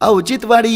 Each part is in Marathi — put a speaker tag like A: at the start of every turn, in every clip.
A: औचित्यवाडी.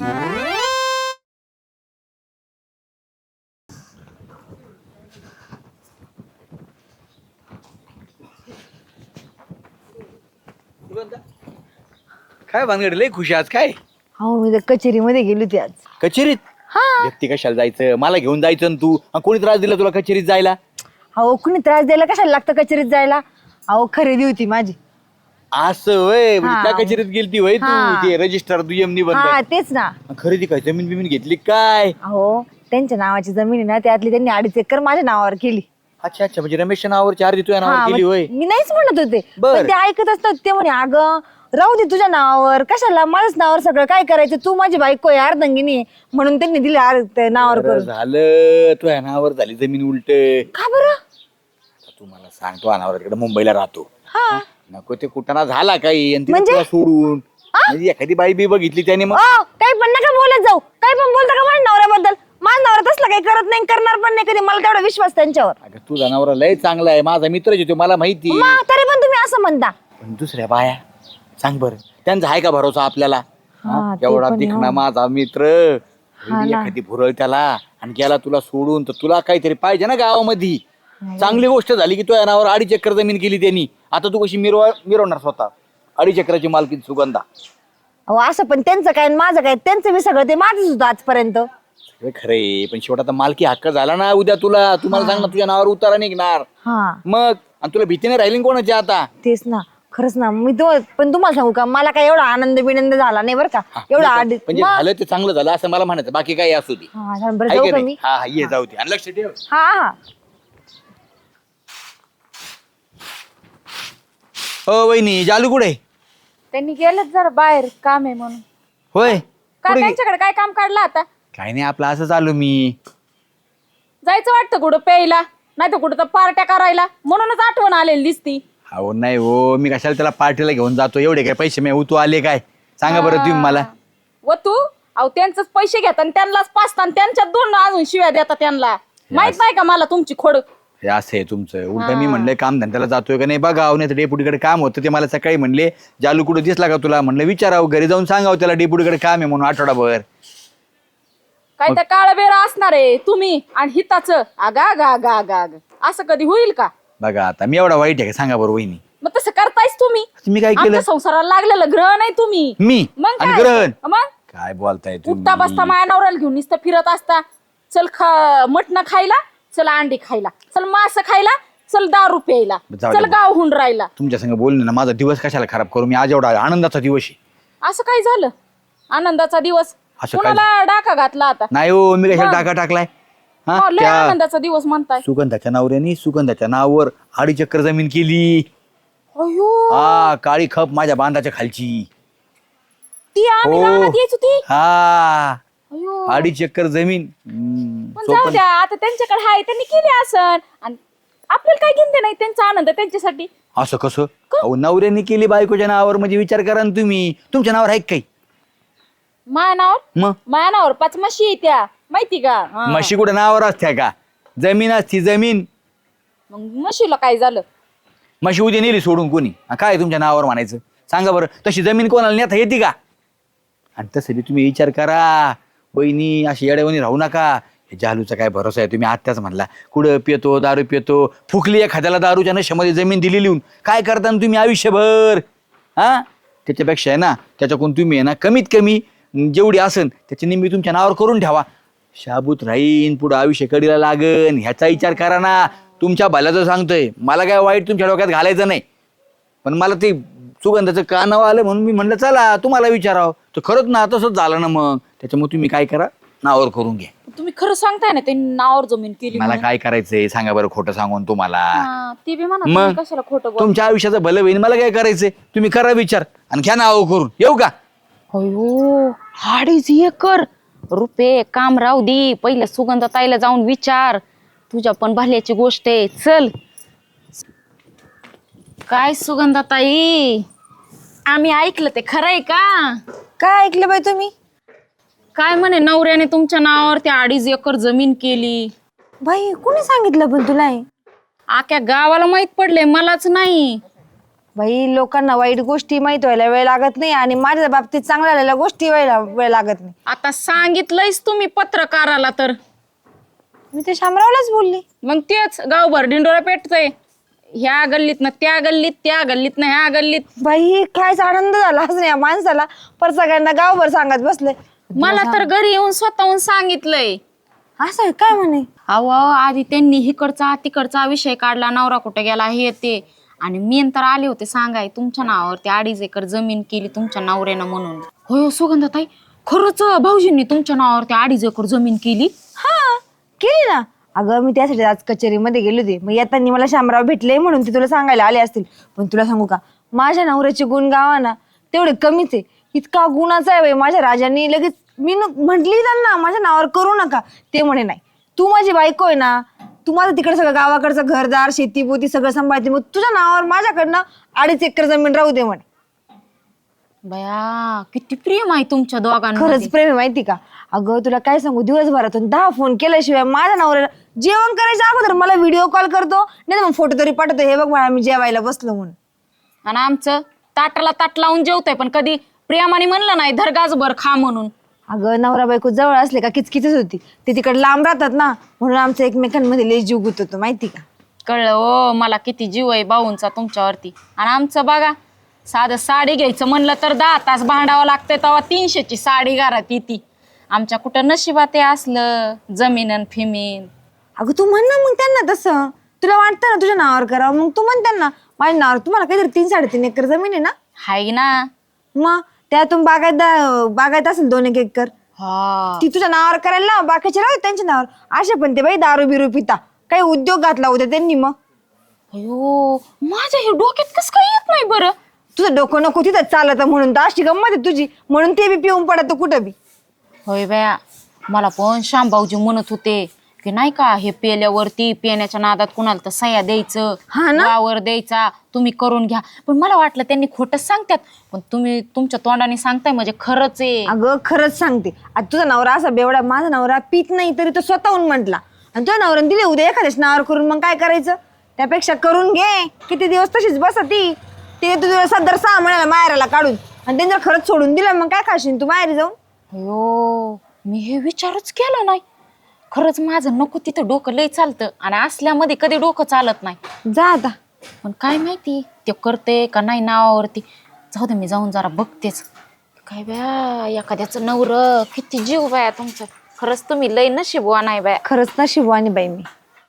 B: काय भानगड लय खुशी आज काय
C: हो मी तर कचेरीमध्ये गेली होती आज.
B: कचेरीत
C: हा
B: व्यक्ती कशाला जायचं मला घेऊन जायचं ना तू आणि कोणी त्रास दिला तुला कचेरीत जायला
C: अहो कुणी त्रास द्यायला कशाला लागतं कचेरीत जायला. अहो खरेदी होती माझी.
B: असं होय म्हणजे
C: हा.
B: त्या कचेरीत गेलती होय तू
C: हा.
B: ते रजिस्टर दुय्यम
C: हा
B: निबंध
C: तेच ना.
B: खरेदी काय जमीन बिमीन घेतली काय
C: अहो त्यांच्या नावाची जमीन आहे ना त्यातली त्यांनी 2.5 एकर माझ्या नावावर केली.
B: अच्छा अच्छा म्हणजे रमेशच्या नावावर 4 देतोय नावावर
C: हा
B: केली
C: मग
B: होय
C: मी नाहीच म्हणत होते
B: बर.
C: पण ते ऐकत असतात ते म्हणे अगं राहू दे तुझ्या नावावर कशाला माझ्याच नावावर सगळं काय करायचं तू माझी बायको आहे अर्धांगिनी आहे. म्हणून त्यांनी दिली नावावर
B: बरं
C: करून.
B: झालं तू या नावावर झाली जमीन उलट
C: का बरं.
B: तू मला सांगतो अनावर तिकडे मुंबईला राहतो
C: हा
B: नको ते कुटाणा झाला काही आणि तिला
C: म्हणजे?
B: तुला सोडून म्हणजे एखादी बाई बी बघितली त्याने मग
C: काही पण नका बोलत जाऊ काही पण बोलता का माझ्या नवऱ्याबद्दल. माझ्या नवरा तसलं काही करत नाही करणार पण नाही कधी मला तेवढा विश्वास त्यांच्यावर.
B: अगं तू जनावर लय चांगला आहे माझा मित्रच येतो मला माहिती
C: मग तरी पण तुम्ही असं म्हणता.
B: पण दुसऱ्या बाया सांग बरं त्यांचा आहे का भरोसा आपल्याला
C: हा, ते
B: एवढा
C: पण आहे,
B: दिखणा
C: हो.
B: माझा मित्र
C: हा ना.
B: एखादी भुरळ त्याला आणि गेला तुला सोडून तर तुला काहीतरी पाहिजे ना गावामध्ये चांगली गोष्ट झाली की तो नावावर 2.5 एकर जमीन केली त्यांनी आता तू कशी मिरवणार स्वतः 2.5 एकराची मालकी सुगंधा
C: अहो असं पण त्यांचं काय आणि माझं काय त्यांचं मी सगळं ते माझंच होतं आजपर्यंत.
B: सगळं खरंय पण शेवट आता मालकी हक्क झाला ना उद्या तुला तुम्हाला सांग ना तुझ्या नावावर उतारा निघणार
C: हा
B: मग आणि तुला भीती नाही राहिली ना कोणाची आता
C: तेच ना खरंच ना मी पण तुम्हाला सांगू का मला काय एवढा आनंद बिनंद झाला नाही बरं का. एवढा
B: म्हणजे झालं ते चांगलं झालं असं मला म्हणायचं बाकी काही असू दे
C: हा बरं
B: आहे
C: जाऊ
B: का
C: का
B: नाही?
C: मी.
B: हा हा ये जाऊ दे आणि लक्ष ठेव
C: हा हा
B: हो वहिनी जालू कुठे
D: त्यांनी गेलेच जरा बाहेर काम आहे म्हणून.
B: होय
D: का
B: कुठे गे-
D: त्यांच्याकडे काय काम काढलं आता.
B: काही नाही आपलं असं चालू मी
D: जायचं वाटतं कुठं प्यायला नाही तर कुठं तर पार्ट्या करायला म्हणूनच आठवण आलेली दिसती.
B: हो नाही हो मी कशाला त्याला पार्टीला घेऊन जातो एवढे काय पैसे मी उतू आले काय सांगा बरं तुम्ही मला
D: व तू अहो त्यांचंच पैसे घेता आणि त्यांनाच पाचता आणि त्यांच्यात 2 अजून शिव्या देता त्यांना. माहित नाही का मला तुमची खोड.
B: हे असं आहे तुमचं उलट मी म्हणलं काम धंद्याला जातोय का नाही बघाव नाही तर डेपुटीकडे काम होतं ते मला सकाळी म्हणले जालू कुठं दिसला का तुला म्हणलं विचारावं घरी जाऊन सांगावं त्याला डेपुटीकडे काम आहे म्हणून आठवडाभर
D: काय तर काळा बेरा असणार आहे तुम्ही आणि हिताचं आगा आगा आगा आगा आगा असं कधी होईल का.
B: बघा आता मी एवढा वाईट आहे का सांगा बरं वहिनी
D: मग तसं करतायच तुम्ही.
B: मी काय केलं
D: आमच्या संसाराला लागलेलं ग्रह नाही तुम्ही.
B: मी
D: मग
B: आणि
D: काय?
B: ग्रहण
D: मग
B: काय बोलताय
D: उठता बसता
B: तुम्ही
D: माया नवऱ्याला घेऊन नुसतं फिरत असता. चल मटण खायला चल अंडी खायला चल मांस खायला चल दारू प्यायला
B: जाऊ दे
D: चल
B: मग.
D: गावहून राहिला.
B: तुमच्या संग बोलणं ना माझा दिवस कशाला खराब करू मी आज एवढा आनंदाचा दिवस आहे
D: असं काय झालं आनंदाचा दिवस
B: असं काय
D: कुणाला डाका घातला आता.
B: नाही हो मी कशाला
D: मग?
B: टाका टाकलाय हा
D: हो, लय
B: त्या
D: आनंदाचा दिवस म्हणताय.
B: सुगंधाच्या नवऱ्याने सुगंधाच्या नावावर 2.5 एकर जमीन केली
D: अयो
B: हा काळी खप माझ्या बांधाच्या खालची
D: ती आम्ही
B: हो.
D: रानात यायचो ती.
B: हा
D: अयो
B: 2.5 एकर जमीन
D: पण जाऊ द्या आता त्यांच्याकडे आहे त्यांनी केली असन आणि आपल्याला काय घेणं नाही त्यांचा आनंद त्यांच्यासाठी.
B: असं कसं अहो नवऱ्याने केली बायकोच्या नावावर म्हणजे विचार करा ना तुम्ही तुमच्या नावावर आहे का काही
D: मानावर
B: मग
D: मानावर 5 म्हशी आहे त्या माहिती का. हा.
B: म्हशी कुठे नावावर असत्या का जमीन असती जमीन
D: मग म्हशीला काय झालं.
B: म्हशी उद्या नेली सोडून कोणी काय तुमच्या नावावर म्हणायचं सांगा बरं तशी जमीन कोणाला नेता येते का आणि तसं बी तुम्ही विचार करा बहिणी अशी येड्यावणी राहू नका हे जालूचा काय भरोसा आहे तुम्ही आत्ताच म्हणला कुठं पितो दारू पितो फुकली एखाद्याला दारूच्या नशेमध्ये जमीन दिली लिहून काय करता ना तुम्ही आयुष्यभर हा त्याच्यापेक्षा आहे ना त्याच्याकडून तुम्ही आहे ना कमीत कमी जेवढी असन त्याची निम्मी तुमच्या नावावर करून ठेवा शाबूत राहीन पुढं आयुष्य कडीला लागन ह्याचा विचार करा ना तुमच्या भल्याचं सांगतोय मला काय वाईट तुमच्या डोक्यात घालायचं नाही पण मला ते सुगंधाचं का नाव आलं म्हणून मी म्हणलं चला तुम्हाला विचारावं तर खरंच ना तसंच झालं ना मग त्याच्यामुळे तुम्ही काय करा नावावर करून घ्या
D: तुम्ही खरं सांगताय ना त्यांनी नावावर जमीन केली
B: मला
D: म्हणून.
B: काय करायचंय सांगा बरं खोटं सांगून तुम्हाला
D: हा, ती बी म्हणा
B: मग?
D: तुम्ही कशाला खोटं बोल.
B: तुमच्या आयुष्याचं भलं होईल मला काय करायचंय तुम्ही करा विचार आणि घ्या नाव करून येऊ का
E: अयो 2.5 एकर रुपये काम राहू दे पहिल्या सुगंधताईला जाऊन विचार तुझ्या पण भल्याची गोष्ट आहे चल. काय सुगंधताई आम्ही ऐकलं ते खरंय का.
C: काय ऐकलं बाई तुम्ही.
E: काय म्हणे नवऱ्याने तुमच्या नावावर त्या 2.5 एकर जमीन केली.
C: बाई कुणी सांगितलं पण तुला हे?
E: आख्या गावाला माहित पडले मलाच नाही.
C: बाई लोकांना वाईट गोष्टी माहित व्हायला वेळ लागत नाही आणि माझ्या बाबतीत चांगल्या झालेल्या गोष्टी व्हायला वेळ लागत नाही.
E: आता सांगितलंयच तुम्ही पत्रकाराला तर
C: मी ते शामरावलाच बोलली.
E: मग तेच गावभर ढिंडोरा पेटतय. ह्या गल्लीत ना त्या गल्लीत, त्या गल्लीत ना ह्या गल्लीत.
C: बाई कायचा आनंद झालाच नाही या माणसाला, पर सगळ्यांना गावभर सांगत बसले.
E: मला तर घरी येऊन स्वतःहून सांगितलंय.
C: असं आहे काय म्हणे?
E: अहो आधी त्यांनी हिकडचा तिकडचा विषय काढला, नवरा कुठे गेला हे ते, आणि मी तर आले होते सांगाय तुमच्या नावावरती 2.5 एकर जमीन केली तुमच्या नवऱ्यानं म्हणून. होय सुगंधाताई, खरंच भाऊजींनी तुमच्या नावावरती 2.5 एकर जमीन केली?
C: हा केली ना. अगं मी त्यासाठी आज कचेरीमध्ये गेले होते, मग येताना मला शामराव भेटले म्हणून ते तुला सांगायला आले असतील. पण तुला सांगू का, माझ्या नवऱ्याचे गुण गावा ना तेवढे कमीच आहे. इतका गुणाचा आहे बाई माझ्या राजांनी. लगेच मी म्हटली त्यांना माझ्या नावावर करू नका, ते म्हणे नाही तू माझी बायको आहे ना, तू माझं तिकडे सगळं गावाकडचं घरदार शेती पोती सगळं सांभाळते, मग तुझ्या नावावर माझ्याकडनं 2.5 एकर जमीन राहू दे म्हणे.
E: बया किती प्रेम आहे तुमच्या दोघांना.
C: खरंच प्रेम आहे माहिती का. अगं तुला काय सांगू, दिवसभरातून 10 फोन केल्याशिवाय माझ्या नवऱ्याला जेवण करायच्या अगोदर मला व्हिडिओ कॉल करतो, नाही मग फोटो तरी पाठवतो, हे बघ मला मी जेवायला बसलो म्हणून.
E: आणि आमचं ताटाला ताट लावून जेवतोय, पण कधी प्रेमाने म्हणलं नाही धरगाजभर खा म्हणून.
C: अगं नवरा बायको जवळ असले का किचकिचच होती, ते तिकडे लांब राहतात ना, म्हणून आमचं एकमेकांमध्ये लय जीव गुततो माहिती का.
E: कळलं ओ मला किती जीव आहे भाऊंचा तुमच्यावरती. आणि आमचं बघा, साधं साडी घ्यायचं म्हणलं तर 10 तास भांडावं लागतंय, तेव्हा 300ची साडी घरात येते. आमच्या कुठं नशिबात ते असलं जमीन आणि फिमीन.
C: अगं तू म्हण ना मग त्यांना तसं, तुला वाटतं ना तुझ्या नावावर करावं, मग तू म्हण त्यांना माझ्या नावावर. तुम्हाला काहीतरी 3-3.5 एकर जमीन आहे ना.
E: हाय ना.
C: मग त्यातून बागायत असेल 2-1 एकर,
E: हा
C: ती तुझ्या नावावर करायला ना, बाकीचे राहत त्यांच्या नावावर. असे पण ते बाई दारू बिरू पिता, काही उद्योग घातला होता त्यांनी. मग
E: अयो माझ्या हे डोक्यात कसं काय येत नाही बरं.
C: तुझं डोकं नको तिथं चालत म्हणून तर अशी गंमत आहे तुझी, म्हणून ते बी पिऊन पडत कुठं बी.
E: होय बया, मला पण श्यामभाऊजी म्हणत होते की नाही का, हे पेल्यावरती पेण्याच्या नादात कुणाला तर सह्या द्यायचं,
C: हा ना?
E: वावर द्यायचा, तुम्ही करून घ्या. पण मला वाटलं त्यांनी खोटंच सांगतात, पण तुम्ही तुमच्या तोंडाने सांगताय म्हणजे खरंच आहे.
C: अगं खरंच सांगते, आता तुझा नवरा असा बेवडा, माझा नवरा पित नाही तरी तो स्वतःहून म्हटला, आणि तुझ्या नवऱ्याने दिले उद्या एखाद्याच नावावर करून, मग काय करायचं. त्यापेक्षा करून घे, किती दिवस तशीच बस ती. ते तुझ्या सदर 6 महिन्याला माहेराला काढून, आणि त्यांनी जर खरंच सोडून दिलं मग काय खाशील तू माहेरी जाऊन.
E: अयो मी हे विचारच केला नाही. खरंच माझं नको तिथं डोकं लय चालतं, आणि असल्यामध्ये कधी डोकं चालत नाही.
C: जा आता.
E: पण काय माहिती ते करते का नाही नावावरती. जाऊ दे, मी जाऊन जरा बघतेच. काय बया एखाद्याचं नवर किती जीव बाया तुमचं. खरंच तुम्ही लय नशीबवान आहे बाया.
C: खरंच नशिबवानी बाई मी.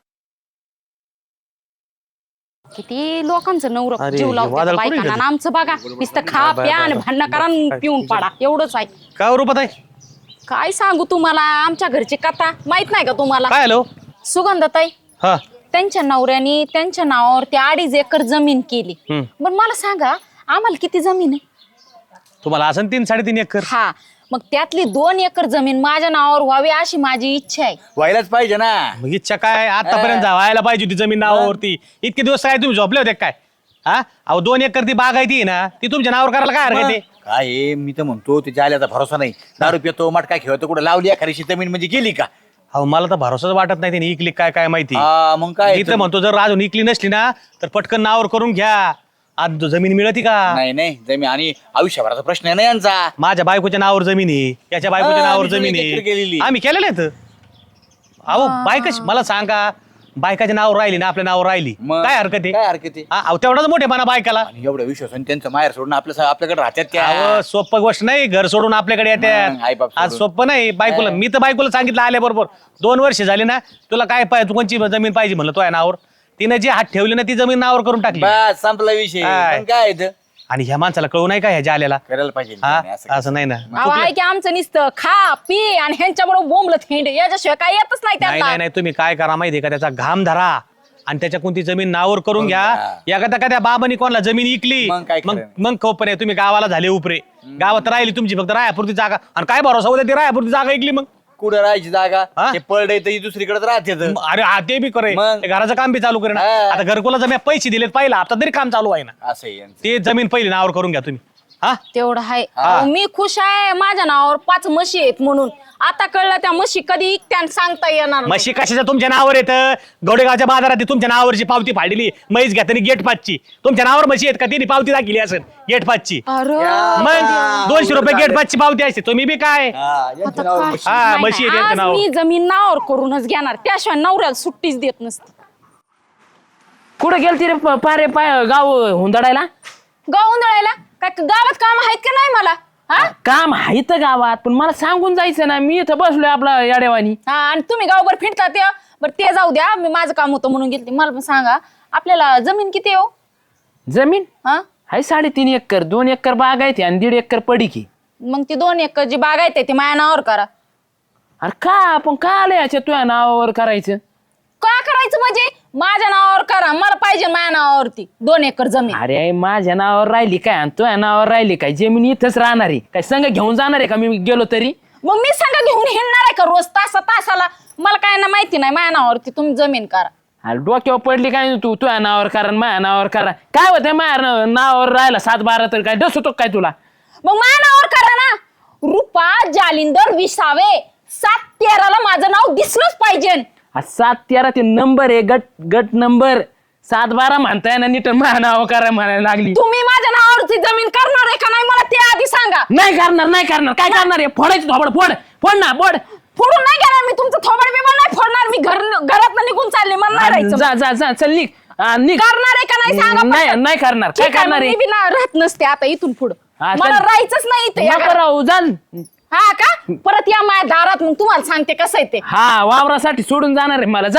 E: किती लोकांचं नवर
A: अरे,
E: जीव लावते
A: वादळ
E: बायकांना,
A: कुठे
E: आणि आमचं बघा नुसतं खा प्या आणि भांडणं करा आणि पिऊन पाडा, एवढंच आहे.
A: काय रूपात आहे?
E: काय सांगू तुम्हाला आमच्या घरची कथा, माहित नाही का तुम्हाला?
A: काय हॅलो
E: सुगंधताई,
A: हा
E: त्यांच्या नवऱ्याने त्यांच्या नावावर ते 2.5 एकर जमीन केली. पण मला सांगा आम्हाला किती जमीन आहे?
A: तुम्हाला असं 3-3.5 एकर.
E: हा, मग त्यातली 2 एकर जमीन माझ्या नावावर व्हावी अशी माझी इच्छा आहे.
B: व्हायलाच पाहिजे ना.
A: मग इच्छा काय, आतापर्यंत व्हायला पाहिजे होती जमीन नावावरती. इतके दिवस काय तुम्ही झोपले होते काय? हा अहो 2 एकर ती बाग आहे ती ना, ती तुमच्या नावावर करायला काय हरकत आहे?
B: काय आहे, मी तर म्हणतो ते जाल्याचा भरोसा नाही. दारू पितो मटका खेळतो, कुठं लावली एखादी जमीन म्हणजे गेली का.
A: अहो मला तर भरोसाच वाटत नाही त्यांनी इकली काय काय माहिती.
B: मग काय
A: मी तर म्हणतो जर अजून इकली नसली ना तर पटकन नावावर करून घ्या. आज जमीन मिळती का?
B: नाही नाही जमीन, आणि आयुष्यभराचा प्रश्न आहे ना यांचा.
A: माझ्या बायकोच्या नावावर जमीन आहे, याच्या बायकोच्या नावावर
B: मी
A: जमीन
B: एकत्र केलेली.
A: आहे, आम्ही केलेले आहेत. अहो बायकाच मला सांगा, बायकाच्या नावावर राहिली ना आपल्या नावावर राहिली,
B: मग
A: काय हरकत आहे?
B: काय हरकत आहे.
A: अहो तेवढाच मोठेपणा बायकाला.
B: आणि एवढं विश्वास आणि त्यांचं माहेर सोडून आपल्याकडे राहतात त्या.
A: अहो सोपं गोष्ट नाही, घर सोडून आपल्याकडे
B: मग,
A: येतात.
B: आईबाप
A: आज
B: सोडून.
A: सोपं नाही. बायकोला मी तर बायकोला सांगितलं आल्याबरोबर 2 वर्ष झाली ना, तुला काय पाहिजे, तू कोणची जमीन पाहिजे म्हणलं तो आहे नावावर. तिने जी हात ठेवली ना ती जमीन नावावर करून टाकली.
B: बस संपला विषय.
A: काय?
B: पण काय इथं?
A: आणि ह्या माणसाला कळू नाही का ह्या आलेला?
B: करायला पाहिजे
A: हा
B: नाही, असं
A: असं नाही ना.
E: अहो आहे की आमचं नुसतं खा पी आणि ह्यांच्याबरोबर बोंबलत हिंड, याच्याशिवाय काय येतच नाही
A: नाही
E: त्यांना.
A: नाही तुम्ही काय करा माहितीये का, त्याचा घाम धरा आणि त्याच्या कोणती जमीन नावावर करून घ्या.
B: घ्या.
A: एखाद्या बाबांनी कोणाला जमीन इकली
B: मग काय
A: मग
B: खरं
A: मग खोपणे तुम्ही गावाला झाले उपरे. गावात राहिली तुमची फक्त रायापुरती जागा, आणि काय भरोसा होता ती रायापुरती जागा इकली मग.
B: कुठं राहायची जागा,
A: हा?
B: ते पडले तर दुसरीकडे राहते.
A: अरे हा ते बी करे,
B: मग?
A: ते घराचं काम बी चालू करे ना.
B: हा.
A: आता घरकुला जमीन पैसे दिलेत पहिला, आता तरी काम चालू आहे ना.
B: असं आहे यांचं.
A: ते जमीन पहिली नावावर करून घ्या तुम्ही. हा
E: तेवढं आहे अहो, मी खुश आहे माझ्या नावावर 5 म्हशी आहेत म्हणून. आता कळलं त्या म्हशी कधी इकत्या सांगता येणार नाही.
A: म्हशी कशाच्या तुमच्या नावावर येतं? गवडेगावच्या बाजारात ती तुमच्या नावावरची पावती फाडली म्हैस घेताना गेट पाचची. तुमच्या नावावर म्हशी आहेत का? तिने पावती दाखिली असेल गेट पाचची.
E: अरे
A: मग 200 रुपये गेट पाचची पावती असते. तुम्ही बी काय
E: आता काय?
A: हा
E: नाही,
A: म्हशी आहेत
E: नाही,
A: यांच्या
E: आज
A: नावावर.
E: मी जमीन नावावर करूनच घेणार त्याशिवाय नवऱ्याला सुट्टीच देत नसते.
F: कुठे गेलती रे पारे पाय गाव हुंदडायला?
E: गाव उंदळायला काय गावात काम आहेत का नाही मला? हा
F: काम आहे तर गावात, पण मला सांगून जायचं ना. मी इथं बसलोय आपला याडेवानी.
E: हा आणि तुम्ही गावभर फिरता ते बरं ते जाऊ द्या. मी माझं काम होतं म्हणून गेलते. मला पण सांगा आपल्याला जमीन किती आहे हो?
F: जमीन
E: हा
F: आहे 3.5 एकर. 2 एकर बाग आहे आणि 1.5 एकर पडीकी.
E: मग ती 2 एकर जी बाग आहे ती माझ्या नावावर करा.
F: अरे का आपण का आलं याच्या तुझ्या नावावर करायचं?
E: काय करायचं म्हणजे माझ्या नावावर करा. मला पाहिजे माझ्या नावावरती 2 एकर जमीन.
F: अरे माझ्या नावावर राहिली काय आणि तुझ्या नावावर राहिली काय? जमीन इथंच राहणार आहे काय? संघ घेऊन जाणार आहे का मी गेलो तरी?
E: मग मी सांगा घेऊन हिंडणार आहे का रोज तासाला? मला काय ना माहिती नाही. माझ्या नावावरती तुम्ही जमीन करा.
F: अरे डोक्यावर पडली काय तू तुझ्या नावावर करा आणि माझ्या नावावर करा? काय होतं माझ्या नावावर राहिला 7-12 तर काय डसतो काय तुला?
E: मग माझ्या नावावर करा ना. रुपा जालिंदर विसावे 7-13 माझं नाव दिसलंच पाहिजे.
F: 7-13 ते नंबर आहे. गट नंबर. 7-12 म्हणताय ना नीट माझ्या नावावर करा म्हणायला लागली.
E: तुम्ही माझ्या नावावरती जमीन करणार आहे का नाही मला ते आधी सांगा.
F: नाही करणार काय करणार आहे? फोडायचं थोबड फोड ना फोड.
E: फोडून नाही घेणार मी तुमचं थोबड बिबड नाही फोडणार. मी घरात निघून चालले मला नाही राहायचं.
F: जा चल निघ. निघ.
E: करणार आहे का नाही सांगा पटकन.
F: नाही करणार. काय
E: ठीक आहे,
F: करणार
E: मग
F: आहे?
E: मी बी ना राहत नसते आता इथून पुढं.
F: हा, चल.
E: मला राहायचंच नाही इथे या
F: नको
E: घरात.
F: राहू जा.
E: हा का परत या माझ्या दारात मग तुम्हाला सांगते कसं आहे ते.
F: हा वावरासाठी सोडून जाणार आहे मला. जा.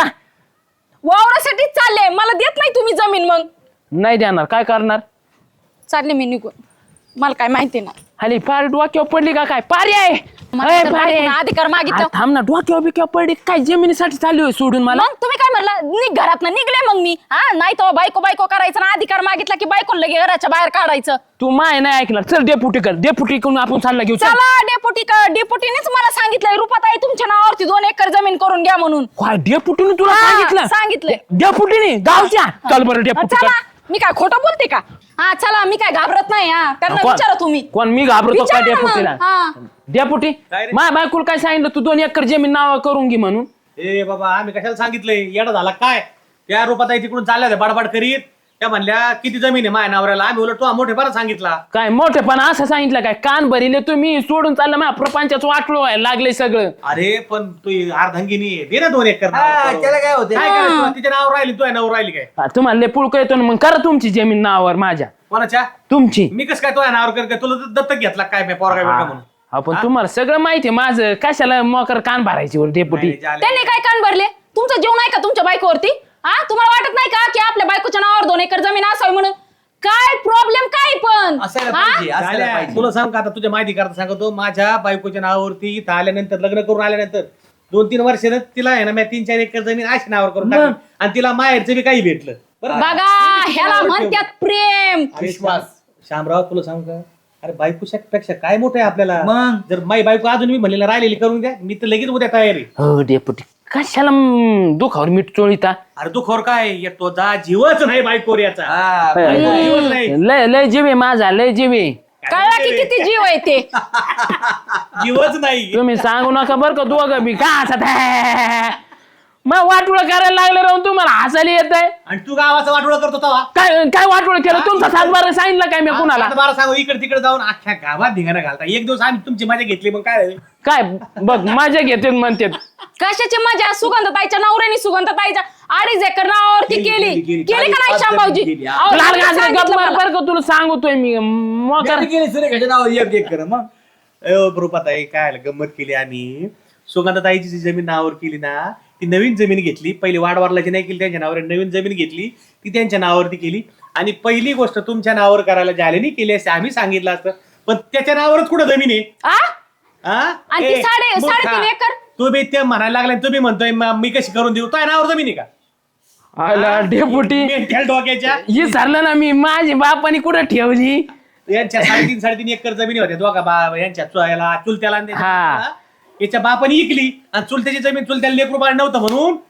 E: वावरासाठीच चालले. मला देत नाही तुम्ही जमीन. मग
F: नाही देणार. काय करणार?
E: चालले मी निघून. मला काय माहिती नाही.
F: खाली पार डोक्यावर पडली का काय? पारी आहे.
E: मला
F: अय,
E: तर
F: पारी आहे.
E: बायकोनं अधिकार मागितलं.
F: आ, थांब ना. डोक्यावर बिक्यावर पडली काय? जमिनीसाठी चालू आहे सोडून मला.
E: मग तुम्ही काय म्हणला निघ घरात ना निघले मग मी. हा नाही तर बायको करायचं ना. अधिकार मागितला की बायको लगे घराच्या बाहेर काढायचं.
F: तू माय नाही ऐकणार. चल डेपुटी कर. डेपुटी करून आपण चालला घेऊ. चल.
E: चला डेपुटीनेच मला सांगितलंय रुपाताई तुमच्या नावावरती 2 एकर जमीन करून घ्या म्हणून.
F: काय डेपुटीने तुला
E: हा,
F: सांगितलं?
E: सांगितलंय.
F: डेपुटीने गावच्या. चल बरं डेपुटी कर.
E: चला मी काय खोटं बोलते का? हा चला मी काय घाबरत नाही. हा त्यांना
F: कोण?
E: विचारा तुम्ही.
F: कोण? मी घाबरतो का
E: विचारा ना मग.
F: डेपुटीला?
E: हा.
F: डेपुटी माझ्या बायकोला काय सांगितलं तू 2 एकर जमीन नाव करून घे म्हणून?
A: ए बाबा आम्ही कशाला सांगितलंय? येडा झाला काय? त्या रूपाताई तिकडून चालल्या होत्या बडबड करीत. त्या म्हणल्या किती जमीन आहे माझ्या नावाला? आम्ही उलट तो मोठेपणा सांगितला.
F: काय मोठेपणा असं सांगितलं काय? कान भरिले तुम्ही सोडून चाललं माझ्या प्रपंचाचं वाटलो व्हायला लागले सगळं.
A: अरे पण तू अर्धांगिनी आहे. दे ना 2 एकर नाव
B: हा,
A: करून.
B: त्याला काय होते?
A: काय करायचं तुला? तिच्या नावावर राहिली तुझ्या नावावर राहिली काय?
F: तुम्हाला लय पुळक येतो ना मग करा तुमची जमीन नावावर माझ्या.
A: कोणाच्या?
F: तुमची.
A: मी कसं काय तुझ्या नावावर कर काय? तुला दत्तक घेतला काय पोरगा बिरगा म्हणून?
F: आपण तुम्हाला सगळं माहिती आहे माझं. कशाला मोकर कान भरायची वर डेपुटी?
A: नाही, झाले.
E: त्यांनी काय कान भरले? तुमचा जीव नाही का तुमच्या बायकोवरती? हा तुम्हाला वाटत नाही का की आपल्या बायकोच्या नावावर 2 एकर जमीन असावी म्हणून? काय प्रॉब्लेम काय पण?
B: असायला
E: हा?
B: पाहिजे, असायला
A: झाल्या.
B: पाहिजे.
A: तुला सांग का आता तुझ्या माहिती करता सांगतो. माझ्या बायकोच्या नावावरती इथं आल्यानंतर लग्न करून आल्यानंतर 2-3 वर्षानं तिला आहे ना मी 3-4 एकर जमीन अशी नावावर करून टाकली. आणि तिला माहेरचं बी काही भेटलं. बरं
E: बघा ह्याला म्हणतात प्रेम.
A: विश्वास. शामराव तुला सांग का? अरे बायकोपेक्षा काय मोठं आहे आपल्याला.
B: मग?
A: जर माई बायको अजून मी म्हणलेला राहिलेली करून द्या मी तर लगेच उद्या तयारी.
F: हो डेपुटी कशाला दुखावर मीठ चोळीता?
A: अरे तू खोर काय तो जा जीवच नाही बायकोर याचा.
B: हा,
A: जीवच नाही.
F: लय जीवे माझा लय जीवे.
E: कळला की किती जीव आहे ते.
A: जीवच नाही.
F: तुम्ही सांगू नका बरं का दोघं बी का हसत? मग वाटोळ करायला लागले राहून तुम्हाला हसायला येत आहे.
A: आणि तू गावाचा वाटोळा करतो तेव्हा
F: काय काय वाटोळ केलं? तुमचा 7-12 सांगितलं काय मी कुणाला?
A: बारा सांगू इकडे तिकडे जाऊन अख्ख्या गावात धिंगाणा घालता. एक दिवस आम्ही तुमची मजा घेतली मग काय झालं?
F: काय बघ माझ्या घेते म्हणते.
E: कशाची मजा? सुगंधताईच्या नवऱ्याने सुगंधताईच्या 2.5 एकर नावावरती केली का नाही शामभाऊजी? अहो,
F: लाल गाजरे
E: सांगितलं
F: गप्प मार
E: मला.
F: बरं का तुला सांगतोय मी मोकर.
B: गेली सुरेखाच्या नावावर 1 एकर. मग
A: रूपाताई काय झालं, गंमत केली आम्ही. सुगंधाताईची जी जमीन नावावर केली ना ती नवीन जमीन घेतली. पहिली वाडवारलाची नाही केली त्यांच्या नावावर. नवीन जमीन घेतली ती त्यांच्या नावावरती केली. आणि पहिली गोष्ट तुमच्या नावावर करायला जालेनी केली असते आम्ही सांगितलं असतं. पण त्याच्या नावावरच कुठं जमीन आहे?
E: आ?
A: हा?
E: आणि ती
A: ए,
E: 3.5
A: मूर्खा.
E: एकर?
A: तू बी ते म्हणायला लागला तुम्ही म्हणतोय मी कशी करून देऊ? तो नावावर जमीन आहे का?
F: आला डेपुटी
A: मेंढ्या डोक्याच्या.
F: ही सरलं ना मी. माझी बापानी कुठं ठेवली?
A: यांच्या 3.5 एकर जमिनी होत्या दोघा यांच्या चुलत्याला आणि त्याच्या
F: हा.
A: बापाला. याच्या बापाने इकली आणि चुलत्याची जमीन चुलत्याला लेकरू बाळ नव्हतं म्हणून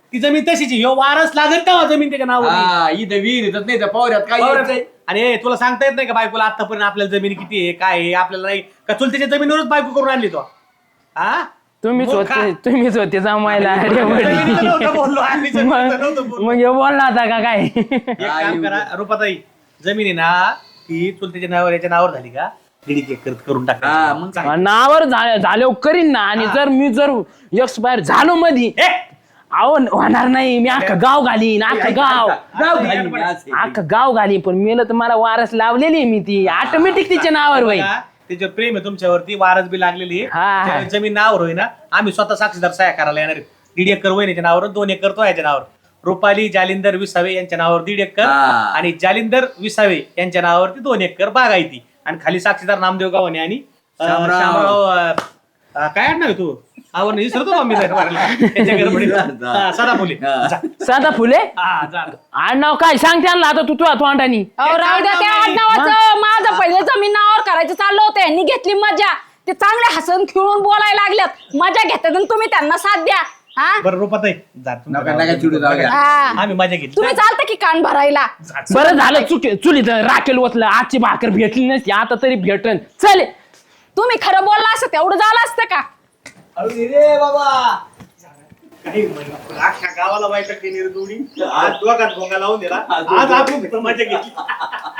A: ती जमीन तशीच आहे. ह्यो वारस लागत का जमीन त्याच्या नावावर
B: हा, इथं विहीर येतात नाही त्या पावऱ्यात काय यायचंय?
A: आणि तुला सांगता येत नाही का बायकोला आतापर्यंत आपल्याला जमीन किती आहे काय आहे आपल्याला नाही का चुलत्याच्या जमिनीवरच बायको करून आणली तो हा
F: तुम्हीच होते जमायला अरे
A: जमिनीचं नव्हतं बोललो, आम्ही जमिनीचं नव्हतं
F: मग
A: बोललो.
F: मग हे बोलला होता का काय
A: एक काम करा रुपाताई, जमीन आहे ना ती चुलत्याच्या नावावर याच्या नावावर झाली का दीड एकर करून
B: हा,
A: टाका
B: मग काय?
F: नावावर झाल्यावर करीन ना. आणि जर मी जर एक्सपायर झालो मधी अहो होणार नाही. मी अख्खं गाव घालीन, अख्खं गाव अख्खं गाव घालीन. पण मेलं तर मला वारस लावलेली आहे मी ती ऑटोमॅटिक तिच्या नावावर होईल.
A: त्याच्यावर प्रेम आहे तुमच्यावरती वारस बी लागलेली आहे.
F: हा.
A: त्यावेळी जमीन नावावर होई ना आम्ही स्वतः साक्षीदार सह्या करायला येणार आहे. 1.5 एकर वहिनीच्या नावावर 2 एकर तो याच्या नावावर. रुपाली जालिंदर विसावे यांच्या नावावर 1.5 एकर
B: हा.
A: आणि जालिंदर विसावे यांच्या नावावरती 2 एकर बागायती आणि खाली साक्षीदार नामदेव गावाने आणि
B: शामराव.
A: शामराव काय आणणार तू आवड नाही विसरतो बा मी त्याच्या गडबडीत. हा, सदाफुले जा.
F: साधा फुले
A: हा, जा.
F: आडनाव काय सांग त्यांना आता तू तुझ्या तोंडानी.
D: अहो राहू द्या त्या आडनावाचं. माझं पहिले जमीन नावावर करायचं चाललं होतं. यांनी घेतली मजा. ते चांगले हसन खेळून बोलायला लागल्यात. मजा घेतात आणि तुम्ही त्यांना साथ द्या. हा
A: बरं रुपाताई जा
B: नका नका चिडू जाऊ द्या.
D: हा.
A: आम्ही मजा घेतली
D: तुम्ही चालतं की कान भरायला.
F: बरं झालं चुलीत राखेल ओतलं. आजची भाकर भेटली नसती आता तरी भेटन. चल
D: तुम्ही खरं बोलला असतं तेवढं झालं असतं का.
A: रे बाबा काही म्हणलं, अख्ख्या गावाला वाईट केली रे दोन्ही. आज दोघात भोंगा लावून दिला. आज आपण मजा घेतली.